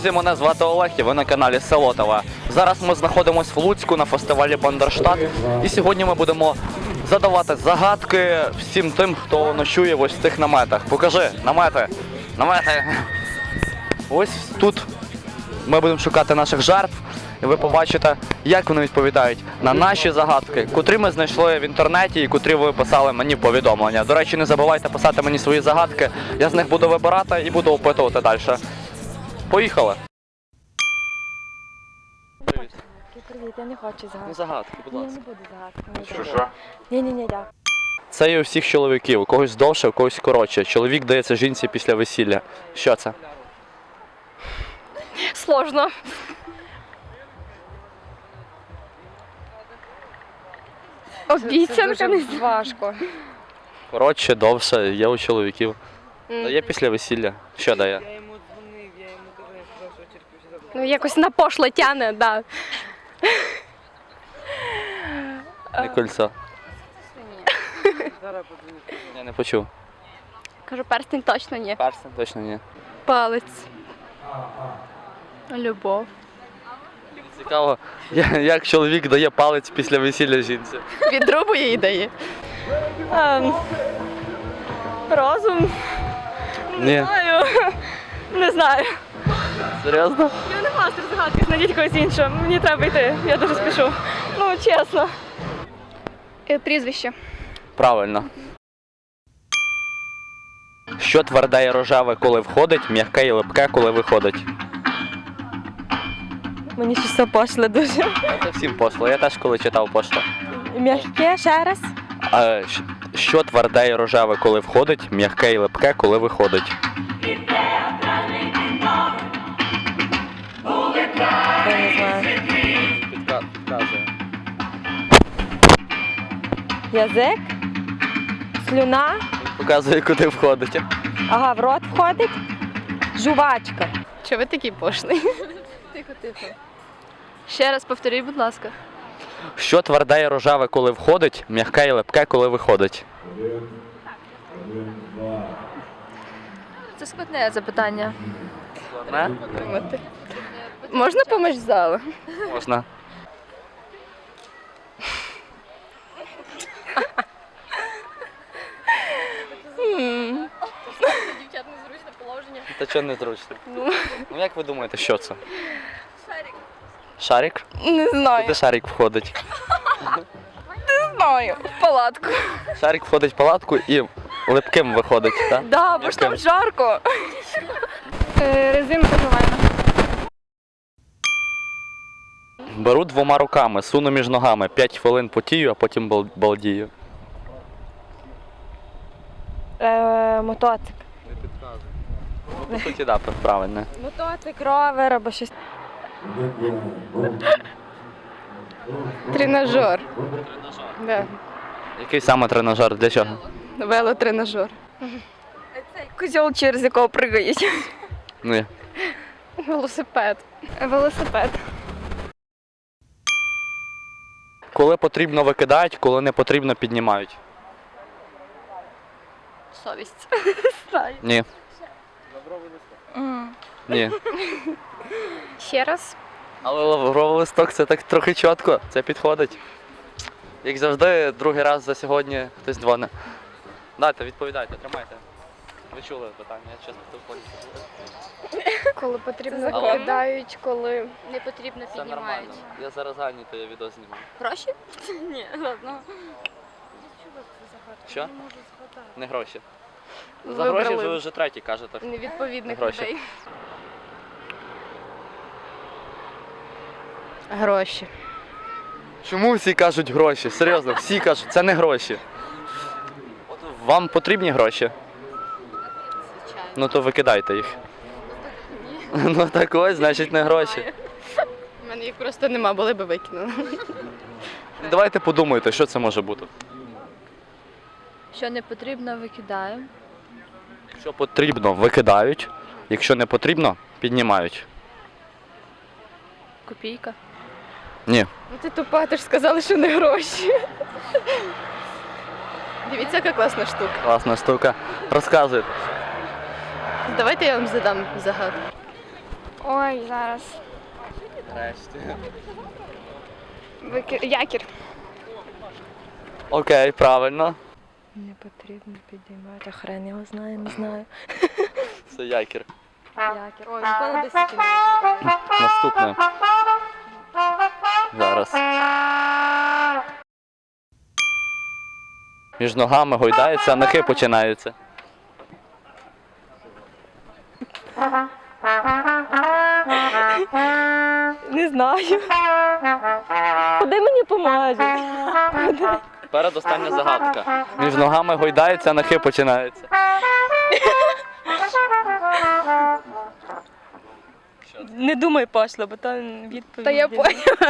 Друзі, мене звати Олег і ви на каналі Село ТВ. Зараз ми знаходимося в Луцьку на фестивалі Бандерштат. І сьогодні ми будемо задавати загадки всім тим, хто ночує ось в цих наметах. Покажи, намети, намети. Ось тут ми будемо шукати наших жертв. І ви побачите, як вони відповідають на наші загадки, котрі ми знайшли в інтернеті і котрі ви писали мені в повідомлення. До речі, не забувайте писати мені свої загадки, я з них буду вибирати і буду опитувати далі. Поїхали! Привіт. Привіт, я не хочу загадки. Ну, загадки, будь Ні, ласка. не буду загадки. Що? Ні, дякую. Це є у всіх чоловіків, у когось довше, у когось коротше. Чоловік дається жінці після весілля. Що це? Сложно. Обіцянка не важко. Коротше, довше, є у чоловіків. Дає після весілля. Що дає? Я йому дзвонив, я йому казав, що терпівся забрати. Ну, якось на пошло тяне, да. Не кольцо. Зараз подзвоню. Я не почув. Кажу, перстень точно ні. Персен точно ні. Палець. Любов. Цікаво, як чоловік дає палець після весілля жінці. Відрубує і дає. Розум. Ні. Не знаю. Серйозно? Я не мастер загадки, знайдіть когось іншого. Мені треба йти, я дуже спішу. Ну, чесно. Прізвище. Правильно. Що тверде і рожеве, коли входить, м'яке і липке, коли виходить? Мені щось це пошле дуже. Це всім пошло. Я теж коли читав пошло. М'яке, ще раз. Що тверде і рожеве, коли входить, м'яке і липке, коли виходить? Я не знаю. Підказує. Язик? Слюна? Показує, куди входить. Ага, в рот входить? Жувачка. Чого ви такий пошлий? Тихо. Ще раз повторіть, будь ласка. Що тверде і рожеве, коли входить, м'яке і липке, коли виходить? Це складне запитання. Не? Можна поміж залу? Можна. Дівчат незручне положення. Та чого незручно? Ну як ви думаєте, що це? Шарик. Шарик? Не знаю. Куди шарик входить? Не знаю. В палатку. Шарик входить в палатку і липким виходить, так? Да, бо ж там жарко. Резинка жувальна. Беру двома руками, суну між ногами, 5 хвилин потію, а потім балдію. Мотоцик. Не підказує. Ну, по суті, так, правильно. Мотоцик, ровер або щось. Тренажер. Да. Який саме тренажер, для чого? Велотренажер. Козьол, через якого пригають. Ні. Велосипед. Коли потрібно викидають, коли не потрібно піднімають. Совість. Ні. Ні. Ще раз. Але лавровий листок це так трохи чітко, це підходить. Як завжди, другий раз за сьогодні хтось дзвонить. Дайте, відповідайте, тримайте. Ви чули питання, я чесно в телефоні. Коли потрібно закон. викидають, коли не потрібно Це нормально. Я зараз зайнятий, я відео знімаю. Гроші? Ні, ладно. Що? Не гроші. За Вибрали. гроші ви вже третій кажете. Невідповідних Гроші. людей. Гроші. Чому всі кажуть гроші? Серйозно, всі кажуть, це не гроші. От вам потрібні гроші? Звичайно. Ну то викидайте їх. Ну так ось, значить не гроші. У мене їх просто нема, були би викинули. Давайте подумайте, що це може бути. Що не потрібно, викидаємо. Якщо потрібно, викидають. Якщо не потрібно, піднімають. Копійка. Ні. Ну ти тупа, ти ж сказала, що не гроші. Дивіться, яка класна штука. Класна штука. Розказуйте. Давайте я вам задам загадку. Ой, зараз. Якір. Окей, правильно. Не потрібно підіймати. Хрен його знає, не знаю. Це якір. Якір. Ой, ніколи без стільки не Наступне. Зараз. Між ногами гойдається, а нахи починаються. Не знаю. Куди мені поможе? Передостання загадка. Між ногами гойдається, а нахи починаються. Не думай пошло, бо там відповідь. Та я поняла.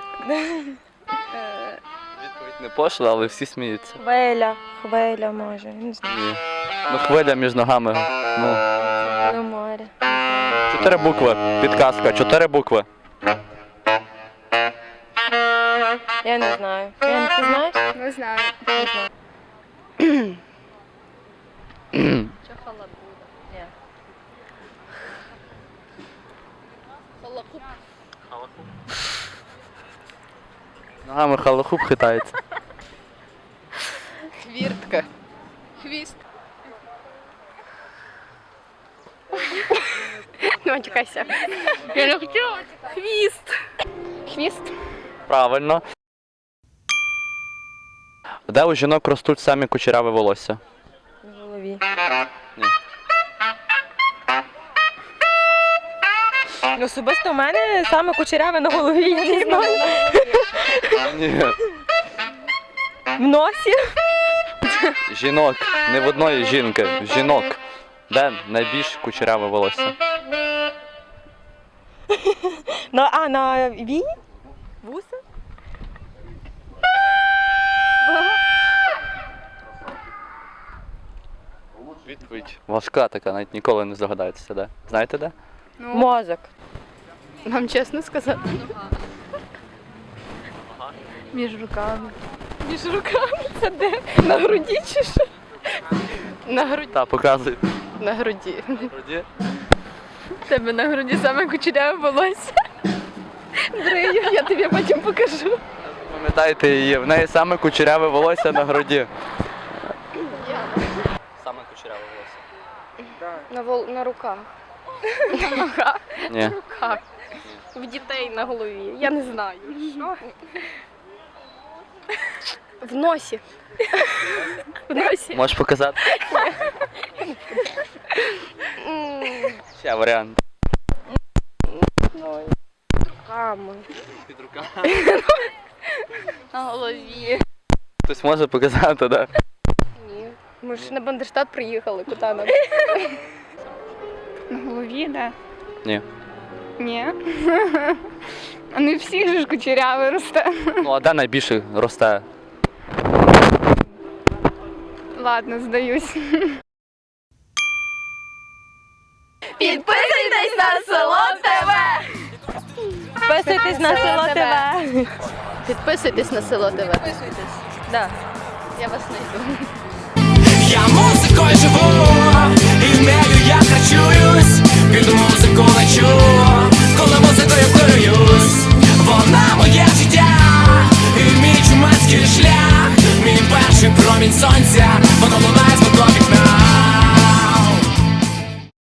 Відповідь не пошла, але всі сміються. Хвиля може, не знаю. Ні. Ну хвиля між ногами. Ну. На море. 4 букви. Підказка. 4 букви. Я не знаю. Ти знаєш? Не знаю. Не знаю. Що халабуда? Ні. Ногами халахуп хитається. Хвіртка. Хвіст. Не матюкайся. Я не хотіла. Хвіст. Хвіст. Правильно. Де у жінок ростуть самі кучеряві волосся? В голові. Ні. Особисто в мене саме кучеряве на голові, я не знаю. Ні. В носі. Жінок. Не в одної жінки. Жінок. Де найбільш кучеряве волосся? На вії? Вуса? Відповідь важка така, навіть ніколи не здогадаєтеся, де. Знаєте де? Мозок. Вам чесно сказати? Між руками. Між руками? Це де? На груді чи що? На груді. Та, показуй. На груді. Груді. Тебе на груді саме кучеряве волосся. Дрию, я тобі потім покажу. Пам'ятаєте її, в неї саме кучеряве волосся на груді. Саме кучеряве волосся. На руках. На ногах. Ні. На руках. В дітей на голові. Я не знаю. Що? В носі. В носі. Можеш показати? Ще варіант. Руками. Під руками. На голові. Хтось може показати, да? Ні. Ми ж на Бандерштат приїхали, куди нам? На голові, да? Ні. Ні. А не всіх же ж кучеряве росте. Ну а де найбільше росте? Ладно, здаюсь. Підписуйтесь на село ТВ! Підписуйтесь на село ТВ! Підписуйтесь на село ТВ. Підписуйтесь. Да. Я вас знайду. Я музикою живу, і нею я харчуюсь, під музику лечу, коли музикою керуюсь. Вона моє життя, і мій чумацький шлях, мій перший промінь сонця, воно лунає з мого вікна.